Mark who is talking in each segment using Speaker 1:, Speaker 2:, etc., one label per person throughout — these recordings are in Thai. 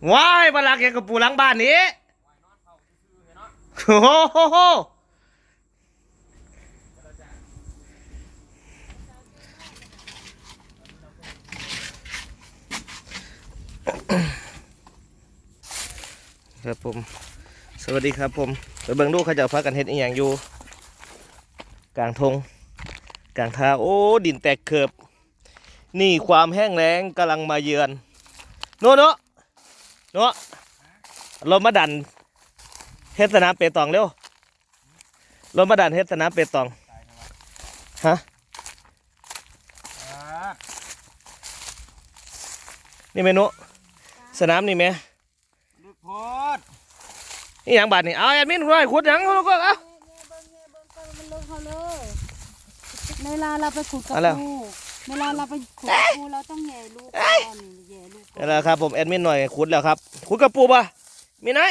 Speaker 1: ว้ายมาลักยังกับปูหลังบ้านนี้โอ้โหครับผมสวัสดีครับผมไปเบิ่งดูเขาจะพักกันเฮ็ดอีหยังอยู่กลางทงกลางทางโอ้ดินแตกเขือบนี่ความแห้งแล้งกำลังมาเยือนโน่เรามาดันเฮ็ดสนามเปตองเร็วเรามาดันเฮ็ดสนามเปตองฮะนี่เมนูสนามนี่ไหมนี่อย่างบาดนี่เอาแอดมินร้อยขุดหยังเขาก็เอา
Speaker 2: เวลาเราไปขุดกับปูเวลาเราไปขุดกับปูเราต้องแย่ลูกก่อนแย่ลูกก่อน
Speaker 1: นี่แหละครับผมแอดมินหน่อยขุดแล้วครับขุดกระปูป่ะมีไหน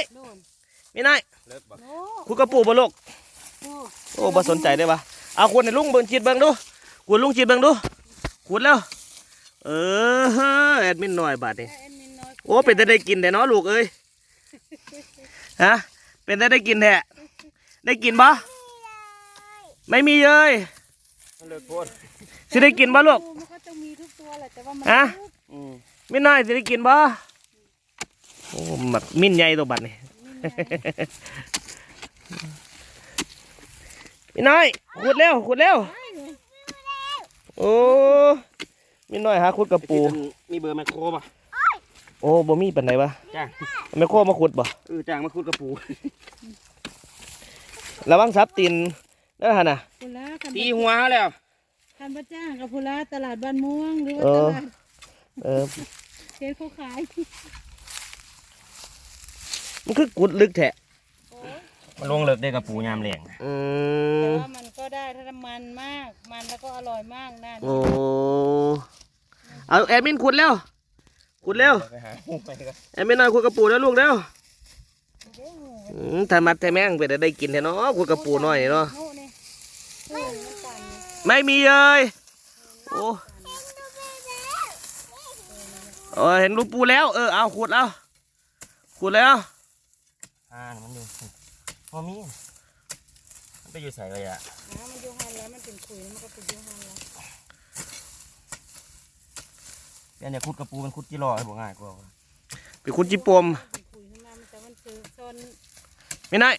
Speaker 1: ขุดกระปูป่ะลูกโอ้บ่สนใจได้ป่ะเอาขุดในลุงเบิ่งจีดเบิ่งดูขุดลุงจีดเบิ่งดูขุดแล้วแอดมินหน่อยบาดนี่โอ้เป็นได้กินแต่เนาะลูกเอ้ยฮะเป็นได้กินแท้ได้กินป่ะไม่มีเลยสิได้กินป่ะลูก
Speaker 2: มันก็จะมีทุกตัวแหละแต่ว่ามัน
Speaker 1: ฮะมินน้อยสิได้กินป่ะโอ้หมักมินใหญ่ตัวบัดนี่มินน้อยขุดเร็วโอ้มินน้อยหาขุดกระปู
Speaker 3: มีเบอร์แมคโครป่ะ
Speaker 1: โอ้บ่มีปันไหนวะ
Speaker 3: จ้า
Speaker 1: แมคโครมาขุดป่ะ
Speaker 3: จ้างมาขุดกระปู
Speaker 1: ระวังซับตีนนั่นฮะน่ะ
Speaker 3: ตีหัวเขาแล้ว
Speaker 2: คันพระจ้างกับพุระตลาดบ้านม่วงหรือว่าตลาดเชฟเขาขาย
Speaker 1: มันคือกุดลึกแท้
Speaker 3: มันลงเลิกได้กระปูยามแหลง
Speaker 2: แต่ว่ามันก็ได้ถ้ามันมากมันแล้วก็อร่อยมากนะ
Speaker 1: โอ้เอาแอดมินขุดเร็วแอดมินหน่อยขุดกระปูแล้วลูกเร็วถ้ามัดแต่แม่งไปได้กินแท้เนาะขุดกระปูหน่อยเนาะไม่มีเลยโอ้เห็นลูกปูแล้วเอาขุดแล้ว
Speaker 3: มันอยู่พอมีมันไปอยู่ใส่เลยอ่ะ
Speaker 2: มันอยู่หันแล้วมันเป็นขุยมันก็เป็นอยู่หันแล้ว
Speaker 3: เนี่ยขุดกระปูมันขุดจิรอให้บอกง่ายกว่า
Speaker 1: ไปขุดจิปมไม่ได้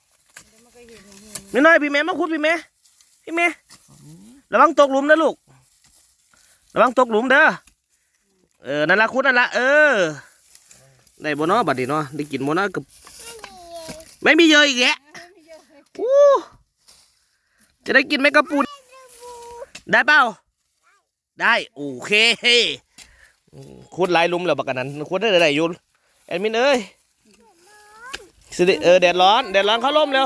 Speaker 1: พี่แม่มาขุดพี่แม่ระวังตกหลุมนะลูกระวังตกหลุมเด้อนั่นละขุดนั่นละได้บ่เนาะบัดนี้เนาะได้กินบ่เนาะกับไม่มีเยอะอีกแกจะได้กินไหมกระปูได้เปล่าได้โอเคขุดหลายหลุมแล้วบักกันนั้นขุดได้อยู่แอดมินเอ้ยสิแดดร้อนเข้าร่มเร็ว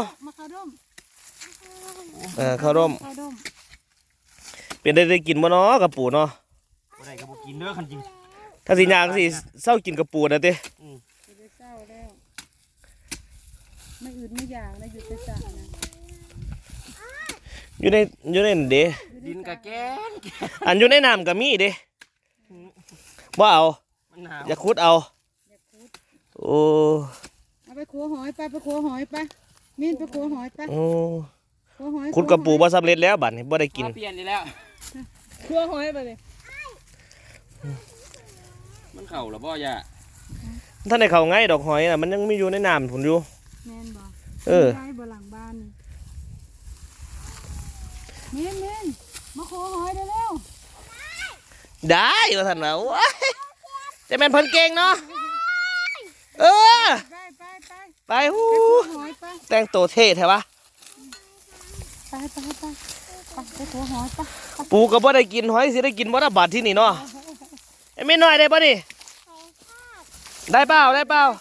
Speaker 1: เข้าร่มเป็นได้กินบ่เนาะกระปูเนาะ
Speaker 3: ได้กระปูกินเด้อคันจริง
Speaker 1: ถ้าสิยางสิเศร้ากินกระปูนะเต้
Speaker 2: เศร้าแล้วไม่อื่นไม่อยากนะหยุดจะจ่านะ
Speaker 1: อยู่ในเด้
Speaker 3: ดินกะแกน
Speaker 1: อันอยู่ในน้ำกับมีเด้ว่าเอาอย่าขุดเอาโอ้
Speaker 2: เอาไปขัวหอยไปมีนไปขัวหอยไป
Speaker 1: ขุดกระปูบ่สำเร็จแล้วบัดนี้บ่ได้กิน
Speaker 3: เปลี่ยนแล้ว
Speaker 2: ขัวหอยไปเลย
Speaker 3: มันเข่าหรอบ่ย่า
Speaker 1: ท่านในเขาง่ายดอกหอยน่ะมันยังมีอยู่ในน้ำผุนอยู่
Speaker 2: แม่นบ่ได้บ่หลังบ้านเม่นมาขัวหอยได้แล้ว
Speaker 1: ได้ว่าท่านว่าจะเป็นเพิ่นเก่งเนาะไปฮู้แต่งตัวเท่แท้วะ
Speaker 2: ไปขัวหอยไป
Speaker 1: ปูก็บ่ได้กินหอยสิได้กินบ่ได้บาดที่นี่เนาะไม่น้อยได้ป่ะนี่ได้เปล่าลู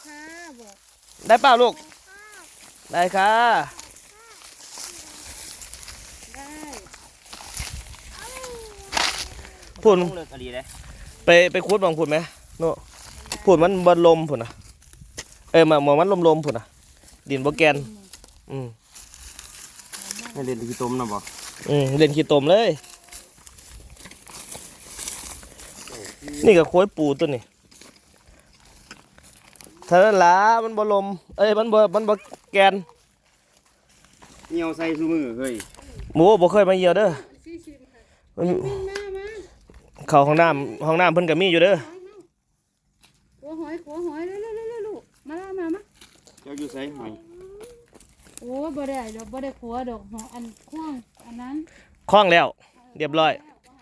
Speaker 1: กได้ค่ะพูดไปคุดบางพูดไหมโน่พูดมันบนลมพูดนะมันลมพูดนะดินโบแกน
Speaker 3: ให้เล่นขี้ต้มนะบ่
Speaker 1: เล่นขี้ต้มเลยนี่ก็โค้ยปูตัวนี้เท่านั้นล่ะมันบ่ลมเอ้ยมันบ่แกน
Speaker 3: เหนียวใส่ซูมือเฮ้ย
Speaker 1: หมูบ่เคยมาเหี่ยวเด้อมัน เข้าห้องน้ำเพิ่นก็มีอยู่เด้อ
Speaker 2: ขัวหอยเร็วๆลูกมา
Speaker 3: เจ้าอยู่ใส่หอย
Speaker 2: โอ้บ่ได้ดอกบ่ได้ขัวดอกหออันข้วงอันนั้น
Speaker 1: คล้องแล้วเรียบร้อย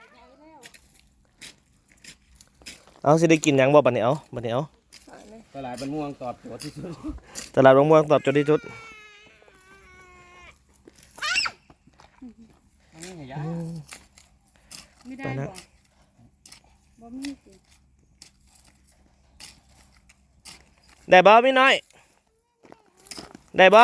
Speaker 1: เอาสิได้กินหยังบ่บัดนี้เอา
Speaker 3: ตลาดบ้านม่วงตอบโจทย์ที่สุด
Speaker 1: ตลาดบางม่วงตอบโจทย์ที่สุด
Speaker 3: นี่ไงยะ
Speaker 2: ไม่ได้บ่บ่มีสิ
Speaker 1: ได้บ่พี่น้อยได้บ่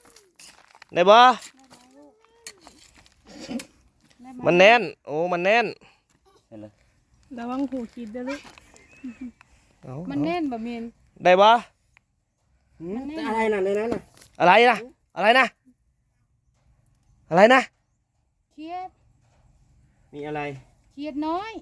Speaker 1: มันแน่นโอ้มันแน่น
Speaker 3: เห็นเลย
Speaker 2: ระวังหูคิดเด้อลูก
Speaker 1: เอา
Speaker 2: มันแน่นบ่แม่น
Speaker 1: ได้บ่
Speaker 3: อะไรน่ะในนั้นน่ะ
Speaker 1: อะไรนะอะไรนะ
Speaker 2: เครียด
Speaker 3: มีอะไร
Speaker 2: เครียดน้อย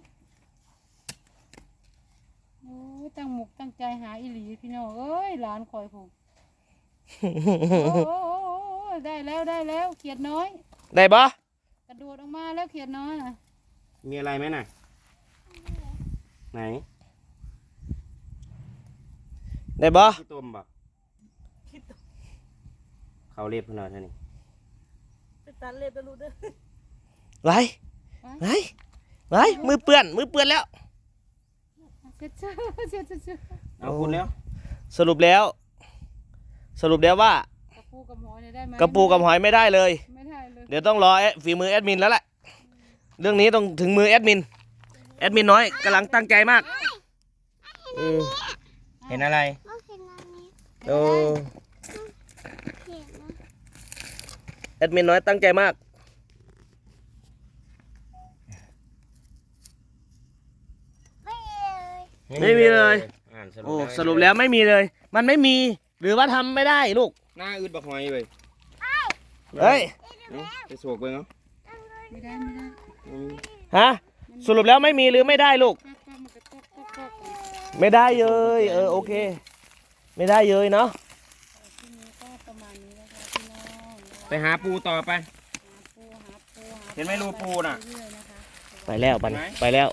Speaker 2: โอ้ยตั้งหมกตั้งใจหาอีหลีพี่น้องเอ้ยหลานคอยผมโอ้ได้แล้วเขียดน้อย
Speaker 1: ได้บ่
Speaker 2: กระโดดออกมาแล้วเขียดน้อยน่ะ
Speaker 3: มีอะไรไหมน่ะไหน
Speaker 1: ได้บ่
Speaker 3: ขี้ต้มบักเขาเรียบขนาดนี้
Speaker 2: ตัดเล็บไปรู้เด้อ
Speaker 1: ไรมือเปื้อนแล้ว
Speaker 2: เช็ด
Speaker 3: เอาคุณแล้ว
Speaker 1: สรุปแล้วว่าก
Speaker 2: ระปูกับหอยเนี่ยได้ไหม
Speaker 1: กระปูกับหอยไม่ได้เลย
Speaker 2: ไม่ได้เลย
Speaker 1: เดี๋ยวต้องรอฝีมือแอดมินแล้วแหละเรื่องนี้ต้องถึงมือแอดมินน้อยกำลังตั้งใจมาก
Speaker 3: เห็นอะไร
Speaker 1: โอ้แอดมินน้อยตั้งใจมาก ไม่มีเลย
Speaker 3: อ่าน
Speaker 1: โอ้สรุปแล้วไม่มีเลย มันไม่มีหรือว่าทำไม่ได้ลูก
Speaker 3: หน้าอืดบักหอยเว้ย
Speaker 1: เฮ้ย
Speaker 3: ไปโศกเบิ่งเอา
Speaker 2: ไม่ได้
Speaker 1: ฮะสรุปแล้วไม่มีหรือไม่ได้ลูก
Speaker 2: มันกระตก
Speaker 1: ไม่ได้เลยโอเค ไม่ได้เลยเนาะ
Speaker 2: ทีนี้ก็ประมาณนี้แล้วค่ะพี่น้อง
Speaker 3: ไปหาปูต่อไป
Speaker 2: หาปู
Speaker 3: เห็นไหมรูปูน่ะ
Speaker 2: เรื่อยๆนะคะ
Speaker 1: ไปแล้วปัน
Speaker 3: ไหน
Speaker 1: ไปแล้ว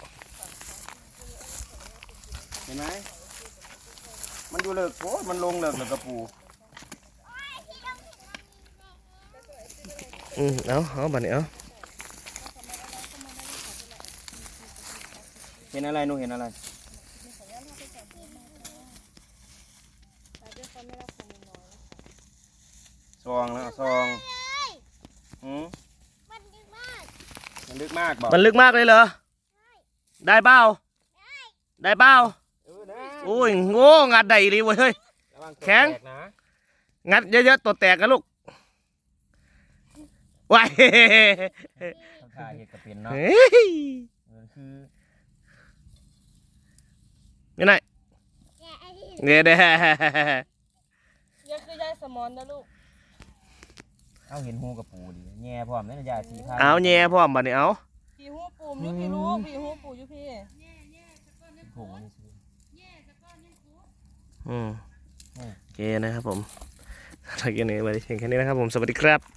Speaker 3: เห็นไหมมันอยู่เลิกโอ้มันลงเลิกกระปู
Speaker 1: เอาบัดนี้เอา
Speaker 3: เห็นอะไรหนูเห็นอะไรซองแล้วซองมันลึกมากบอก
Speaker 1: มันลึกมากเลยเหรอได้เปล่าได้เปล่าโอ้ยโง่งัดได้ดีเว้ยเฮ้ย
Speaker 3: ระวัตัว
Speaker 1: แข็ง
Speaker 3: ตกนะ
Speaker 1: งัดเยอะๆตัวแตกกันลูกว้าย
Speaker 3: ต้องถ่ายเห็ดกระเป็นเนาะ
Speaker 1: เฮ้ย
Speaker 3: คือ
Speaker 1: ยังไงเนี่ยเด้
Speaker 4: ยังคือยายสมอนนะลูก
Speaker 3: เอาเห็นหูกระปูดิแง่พร้อมนั่นยาสีผ้า
Speaker 1: เอาแย่พร้อมบัดนี้เอา
Speaker 4: พี่หูปู่อยู่พี่ลูกพี่หูปู่อยู่พี่
Speaker 3: ผงนี่สิ
Speaker 1: โอเคนะครับผมถ้าเกินนี้ไว้เพียงแค่นี้นะครับผมสวัสดีครับ